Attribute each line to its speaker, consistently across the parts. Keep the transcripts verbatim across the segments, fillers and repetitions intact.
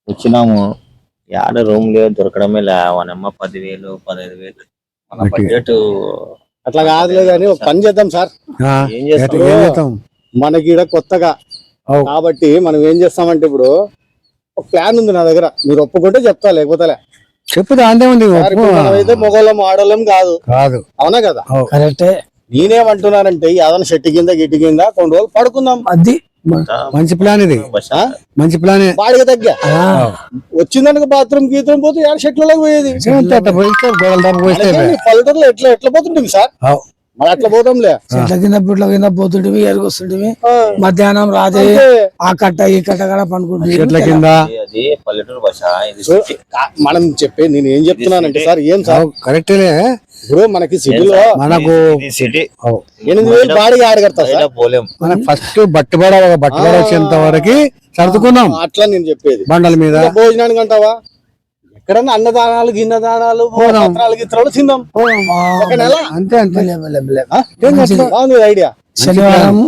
Speaker 1: వచ్చినాము. యాడ రూమ్ లేదు, దొరకడమే లే. వానమ్మ పదివేలు పదహైదు వేలు మన బడ్జెట్
Speaker 2: అట్లా కాదులే కానీ ఒక పని చేద్దాం సార్.
Speaker 1: ఏం చేస్తాం?
Speaker 2: ఏం చేద్దాం, మనకి ఈడ కొత్తగా కాబట్టి మనం ఏం చేస్తామంటే ఇప్పుడు ఒక ప్లాన్ ఉంది నా దగ్గర. మీరు ఒప్పుకుంటే చెప్తా, లేకపోతే
Speaker 3: చెప్పుదా అంతే ఉంది.
Speaker 2: మనమైతే మొగోళ్ళం ఆడోళ్ళం కాదు
Speaker 3: కాదు,
Speaker 2: అవునా కదా?
Speaker 3: కరెక్టే.
Speaker 2: నేనేమంటున్నానంటే ఏదైనా చెట్టు కింద గిట్టి కింద కొన్ని రోజులు పడుకుందాం.
Speaker 3: అది మంచి ప్లాన్, ఇది మంచి ప్లాన్.
Speaker 2: బాడిగ తగ్గ వచ్చిందనుక బాత్రూమ్ గీత్రూమ్ పోతే ఏడు చెట్లలోకి పోయేది. పల్లెటూరులో ఎట్లా ఎట్లా పోతుంటుంది సార్, మరి అట్లా పోతాంలే.
Speaker 4: చెట్ల కింద పుట్ల కింద పోతుంటివి, ఎరుగొస్తుంటివి. మధ్యాహ్నం రాత్రి ఆ కట్ట ఈ కట్ట కూడా పండుకుంటుంది
Speaker 3: చెట్ల కింద.
Speaker 1: అది పల్లెటూరు భాష.
Speaker 2: మనం చెప్పే నేను ఏం చెప్తున్నానంటే సార్, ఏం సార్
Speaker 3: కరెక్టే.
Speaker 2: ఇప్పుడు మనకి సిటీలో
Speaker 3: మనకు
Speaker 1: సిటీ
Speaker 2: ఎనిమిది వేలు బాడిగ ఆడగడతా
Speaker 1: పోలేం.
Speaker 3: మనకు ఫస్ట్ బట్టుబడ బట్టుబడ వచ్చేంత వరకు సర్దుకున్నాం.
Speaker 2: అట్లా నేను చెప్పేది.
Speaker 3: బండల మీద
Speaker 2: భోజనానికి అంటావా, ఎక్కడన్నా అన్నదానాలు గిన్నదానాలు పత్రాలు గిత్రాలు తిందాం ఒక నెల.
Speaker 3: అంతే అంతే.
Speaker 2: బాగుంది ఐడియా.
Speaker 4: శనివారం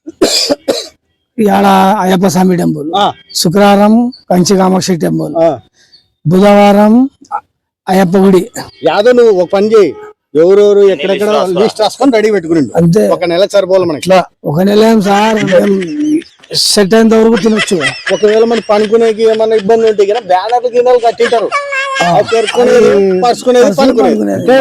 Speaker 4: ఇవాళ అయ్యప్ప స్వామి టెంపుల్, శుక్రవారం కంచి కామాక్షి టెంపుల్, బుధవారం అయ్యప్ప గుడి.
Speaker 2: యాదో నువ్వు ఒక పని చేయి, ఎవరెవరు ఎక్కడెక్కడ లిస్ట్ రాసుకొని రెడీ పెట్టుకుని
Speaker 4: అంతే.
Speaker 2: ఒక నెల సరిపోవాలి మనకి.
Speaker 4: ఒక నెల ఏం సార్, సెట్ అయినంత వరకు తినొచ్చు.
Speaker 2: ఒకవేళ మన పనుకునేకి ఏమన్నా ఇబ్బంది ఉంటే కదా బ్యానర్లు గిన్నెలు కట్టింటారు, పరుచుకునేది పనుకునేది.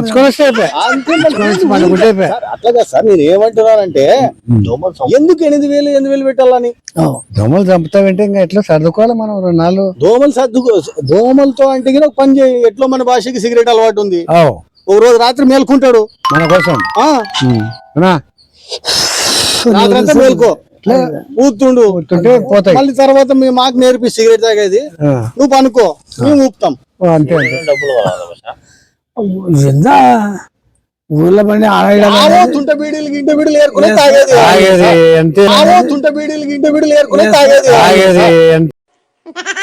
Speaker 2: అట్లాగా సార్ నేను ఏమంటున్నానంటే ఎందుకు ఎనిమిది వేలు ఎనిమిది వేలు పెట్టాలని.
Speaker 3: దోమలు చంపుతావంటే ఇంకా ఎట్లా సర్దుకోవాలి మనం రెండు నాలుగు.
Speaker 2: దోమలు సర్దుకో, దోమలతో అంటే ఒక పని చేయి. ఎట్లా మన భాషకి సిగరెట్ అలవాటు ఉంది, ఒక రోజు రాత్రి మేల్కుంటాడు
Speaker 3: మన కోసం.
Speaker 2: రాత్రంతా మేల్కో, ఊతుండు,
Speaker 3: పోతాయి.
Speaker 2: మళ్ళీ తర్వాత మేము మాకు నేర్పి సిగరెట్ తాగేది, నువ్వు పనుకో, మేము ఊపుతాం.
Speaker 3: అంతే
Speaker 1: డబ్బులు
Speaker 4: ఎంత ఊర్లో పడి
Speaker 2: ఆడో తుంట బీడీలు గింట బీడీలు ఏరుకునే తాగేది,
Speaker 3: అంతే.
Speaker 2: తుంట బీడీలు గింట బీడీలు ఏరుకునే తాగేది.